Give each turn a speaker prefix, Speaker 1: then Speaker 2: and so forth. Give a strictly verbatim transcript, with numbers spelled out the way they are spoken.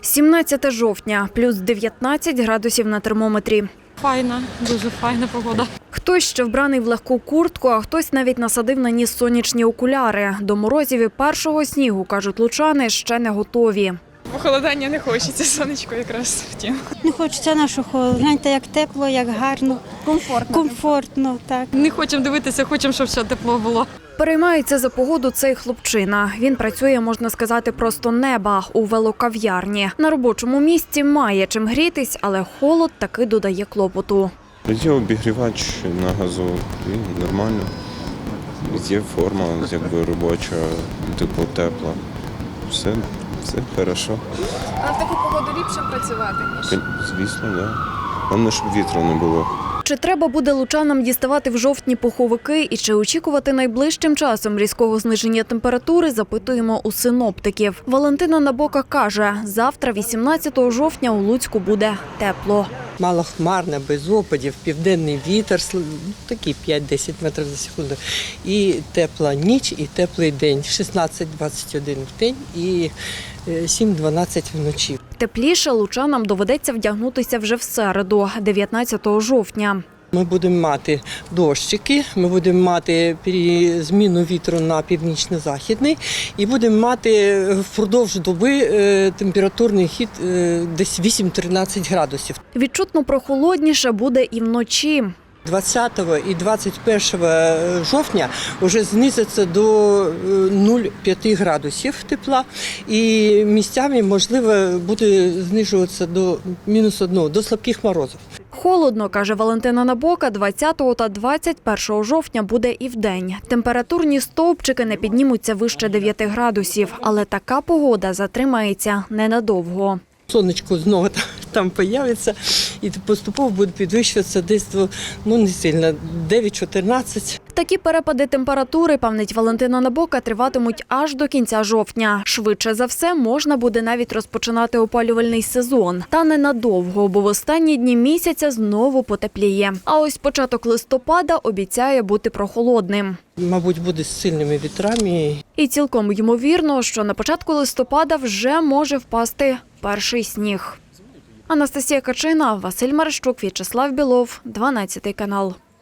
Speaker 1: сімнадцяте жовтня, плюс дев'ятнадцять градусів на термометрі.
Speaker 2: Файна, дуже файна погода.
Speaker 1: Хтось ще вбраний в легку куртку, а хтось навіть насадив на ніс сонячні окуляри. До морозів і першого снігу, кажуть лучани, ще не готові.
Speaker 2: Похолодання не хочеться, сонечко якраз втім.
Speaker 3: Не хочеться нашого холоду. Гляньте, як тепло, як гарно. Комфортно. Комфортно, так.
Speaker 2: Не хочемо дивитися, хочемо, щоб все тепло було.
Speaker 1: Переймається за погоду цей хлопчина. Він працює, можна сказати, просто неба у велокав'ярні. На робочому місці має чим грітись, але холод таки додає клопоту.
Speaker 4: Є обігрівач на газу, і нормально. Є форма, якби робоча, типу тепла. Все, все хорошо.
Speaker 5: А в таку погоду ліпше працювати, ніж?
Speaker 4: Звісно, так. Да. Головне, щоб вітру не було.
Speaker 1: Чи треба буде лучанам діставати в жовтні пуховики і чи очікувати найближчим часом різкого зниження температури, запитуємо у синоптиків. Валентина Набока каже, завтра, вісімнадцятого жовтня, у Луцьку буде тепло.
Speaker 6: Малохмарне, без опадів, південний вітер, такий п'ять-десять метрів за секунду. І тепла ніч, і теплий день. шістнадцять-двадцять один в день і сім-дванадцять вночі.
Speaker 1: Тепліше лучанам доведеться вдягнутися вже в середу, дев'ятнадцятого жовтня.
Speaker 6: Ми будемо мати дощики, ми будемо мати зміну вітру на північно-західний і будемо мати впродовж доби температурний хід десь вісім-тринадцять градусів.
Speaker 1: Відчутно прохолодніше буде і вночі.
Speaker 6: двадцятого і двадцять першого жовтня вже знизиться до нуль цілих п'ять градусів тепла і місцями, можливо, буде знижуватися до мінус одного, до слабких морозів.
Speaker 1: Холодно, каже Валентина Набока, двадцятого та двадцять першого жовтня буде і вдень. Температурні стовпчики не піднімуться вище дев'яти градусів, але така погода затримається ненадовго.
Speaker 6: Сонечко знову там появиться і поступово буде підвищуватися десь, ну не сильно, дев'ять-чотирнадцять.
Speaker 1: Такі перепади температури, певнить Валентина Набока, триватимуть аж до кінця жовтня. Швидше за все, можна буде навіть розпочинати опалювальний сезон. Та ненадовго, бо в останні дні місяця знову потепліє. А ось початок листопада обіцяє бути прохолодним.
Speaker 6: Мабуть, буде з сильними вітрами.
Speaker 1: І цілком ймовірно, що на початку листопада вже може впасти перший сніг. Анастасія Качина, Василь Марищук, В'ячеслав Білов, дванадцятий канал.